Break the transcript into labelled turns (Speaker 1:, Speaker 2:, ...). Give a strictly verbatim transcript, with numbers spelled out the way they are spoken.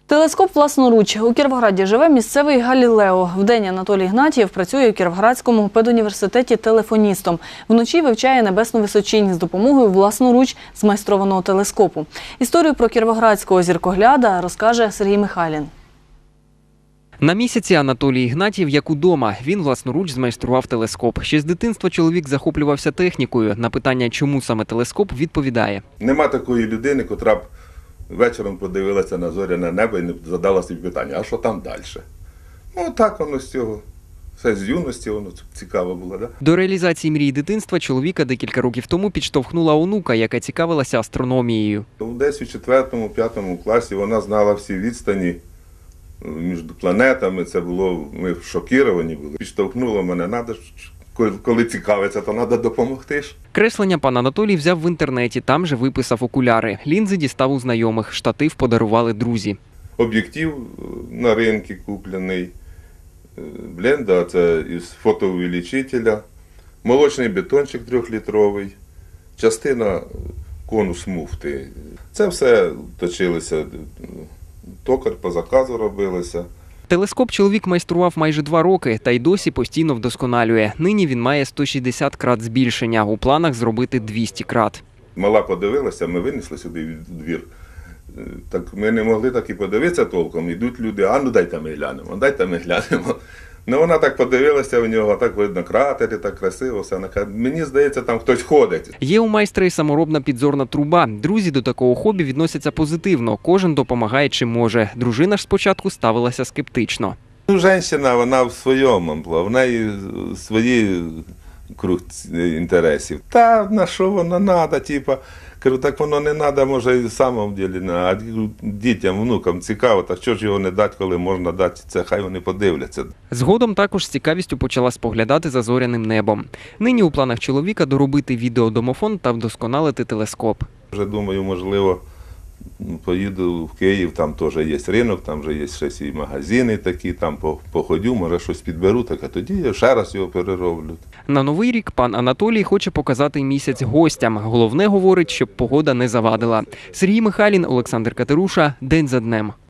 Speaker 1: Телескоп власноруч. У Кіровограді живе місцевий Галілео. Вдень Анатолій Ігнатієв працює у Кіровоградському педуніверситеті телефоністом. Вночі вивчає небесну височінь з допомогою власноруч змайстрованого телескопу. Історію про кіровоградського зіркогляда розкаже Сергій Михайлін.
Speaker 2: На місяці Анатолій Ігнатієв як удома. Він власноруч змайстрував телескоп. Ще з дитинства чоловік захоплювався технікою. На питання, чому саме телескоп, відповідає.
Speaker 3: Нема такої людини, котра б вечором подивилася на зоряне небо і не задала собі питання, а що там далі? Ну так воно з цього. Все з юності, воно цікаво було, да?
Speaker 2: До реалізації мрії дитинства чоловіка декілька років тому підштовхнула онука, яка цікавилася астрономією.
Speaker 3: Десь у четвертому-п'ятому класі вона знала всі відстані між планетами. Це було, ми шокіровані були. Підштовхнуло мене, треба, коли цікавиться, то треба допомогти ж.
Speaker 2: Креслення пан Анатолій взяв в інтернеті, там же виписав окуляри. Лінзи дістав у знайомих, штатив подарували друзі.
Speaker 3: Об'єктив на ринку куплений, бленда, це із фотоувеличителя, молочний бетончик трьохлітровий, частина конус муфти. Це все точилося, токар по заказу робилося.
Speaker 2: Телескоп чоловік майстрував майже два роки та й досі постійно вдосконалює. Нині він має сто шістдесят крат збільшення, у планах зробити двісті крат.
Speaker 3: Мала подивилася, ми винесли сюди в двір. Так ми не могли так і подивитися толком. Йдуть люди, а ну дайте ми глянемо, дайте ми глянемо. Ну вона так подивилася в нього, так видно кратери, так красиво все. Мені здається, там хтось ходить.
Speaker 2: Є у майстра і саморобна підзорна труба. Друзі до такого хобі відносяться позитивно. Кожен допомагає чим може. Дружина ж спочатку ставилася скептично.
Speaker 3: Ну, жінка, вона в своєму амплуа, в неї свої круг інтересів. Та на що воно треба, типу. Кажу, так воно не треба, може, і в самому ділі, а дітям, внукам цікаво, так що ж його не дати, коли можна дати це, хай вони подивляться.
Speaker 2: Згодом також з цікавістю почала споглядати за зоряним небом. Нині у планах чоловіка доробити відеодомофон та вдосконалити телескоп.
Speaker 3: Вже думаю, можливо, поїду в Київ, там теж є ринок, там вже є щось і магазини такі, там походю, може щось підберу, так а тоді я ще раз його перероблю.
Speaker 2: На Новий рік пан Анатолій хоче показати місяць гостям. Головне, говорить, щоб погода не завадила. Сергій Михайлін, Олександр Катеруша. День за днем.